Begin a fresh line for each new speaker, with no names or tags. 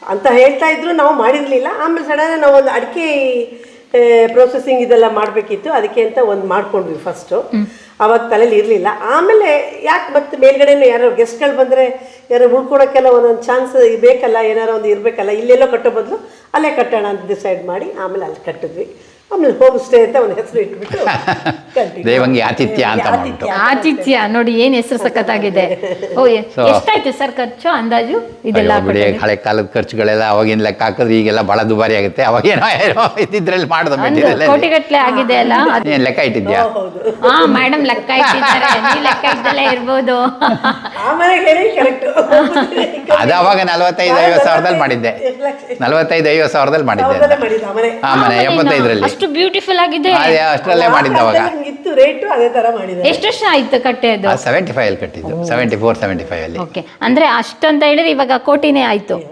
ಅಂತ ಹೇಳ್ತಾ ಇದ್ರು, ನಾವು ಮಾಡಿರಲಿಲ್ಲ. ಆಮೇಲೆ ಸಡನ್ ನಾವು ಒಂದು ಅಡಿಕೆ ಪ್ರೊಸೆಸಿಂಗ್ ಇದೆಲ್ಲ ಮಾಡಬೇಕಿತ್ತು, ಅದಕ್ಕೆ ಅಂತ ಒಂದು ಮಾಡ್ಕೊಂಡ್ವಿ ಫಸ್ಟು. ಅವಾಗ ತಲೆಯಲ್ಲಿ ಇರಲಿಲ್ಲ. ಆಮೇಲೆ ಯಾಕೆ ಮತ್ತೆ ಮೇಲ್ಗಡೆನೂ ಯಾರೋ ಗೆಸ್ಟ್ಗಳು ಬಂದರೆ ಯಾರೋ ಉಳ್ಕೊಳಕ್ಕೆಲ್ಲ ಒಂದೊಂದು ಚಾನ್ಸ್ ಬೇಕಲ್ಲ, ಏನಾರೋ ಒಂದು ಇರಬೇಕಲ್ಲ, ಇಲ್ಲೆಲ್ಲೋ ಕಟ್ಟೋ ಬದಲು ಅಲ್ಲೇ ಕಟ್ಟೋಣ ಅಂತ ಡಿಸೈಡ್ ಮಾಡಿ ಆಮೇಲೆ ಅಲ್ಲಿ ಕಟ್ಟಿದ್ವಿ. ಆಮೇಲೆ ಹೋಮ್ ಸ್ಟೇ ಅಂತ ಒಂದು ಹೆಸರು ಇಟ್ಬಿಟ್ಟು
ದೇವಂಗಿ ಆತಿಥ್ಯ ಅಂತ
ಆತಿಥ್ಯ ನೋಡಿ ಏನ್ ಹೆಸರು ಸಖತ್ತಾಗಿದೆ. ಓ ಎಷ್ಟಾಯ್ತು ಸರ್ ಖರ್ಚು ಅಂದಾಜು ಇದೆಲ್ಲ?
ಬಿಡಿ, ಹಳೆ ಕಾಲದ ಖರ್ಚುಗಳೆಲ್ಲ ಅವಾಗಿನ ಲೆಕ್ಕ ಹಾಕಿದ್ರೆ ಈಗೆಲ್ಲ ಬಹಳ ದುಬಾರಿ ಆಗುತ್ತೆ. ಅವಾಗೇನೋ ಇದ್ರಲ್ಲಿ ಮಾಡಿದ ಮೆಟೀರಿಯಲ್
ಕೋಟಿಗಟ್ಲೆ ಆಗಿದೆ ಅಲ್ಲ.
ಏನ್ ಲೆಕ್ಕ ಇಟ್ಟಿದ್ಯಾ?
ಹಾ ಮೇಡಮ್ ಲೆಕ್ಕ ಇಟ್ಟಿದ್ದಾರೆ, ನೀವು ಲೆಕ್ಕ ಇದ್ದಲ್ಲೇ ಇರ್ಬೋದು.
ಅದು ಅವಾಗ 45-50 ಸಾವಿರದಲ್ಲಿ ಮಾಡಿದ್ದೆ. 45-50 ಸಾವಿರದಲ್ಲಿ ಮಾಡಿದ್ದೆ ಆ ಮನೆ 75ರಲ್ಲಿ.
ಅಷ್ಟು ಬ್ಯೂಟಿಫುಲ್ ಆಗಿದೆ.
ಅಷ್ಟರಲ್ಲೇ ಮಾಡಿದ್ದೆ ಅವಾಗ.
ರೇಟು ಅದೇ ತರ ಮಾಡಿದ್ದೆ.
ಎಷ್ಟು ವರ್ಷ ಆಯ್ತು ಕಟ್ಟೆದು?
75 ಅಲ್ಲಿ ಕಟ್ಟಿದ್ದು, 74-75 ಅಲ್ಲಿ.
ಓಕೆ, ಅಂದ್ರೆ ಅಷ್ಟಂತ ಹೇಳಿದ್ರೆ ಇವಾಗ ಕೋಟಿನೇ ಆಯ್ತು.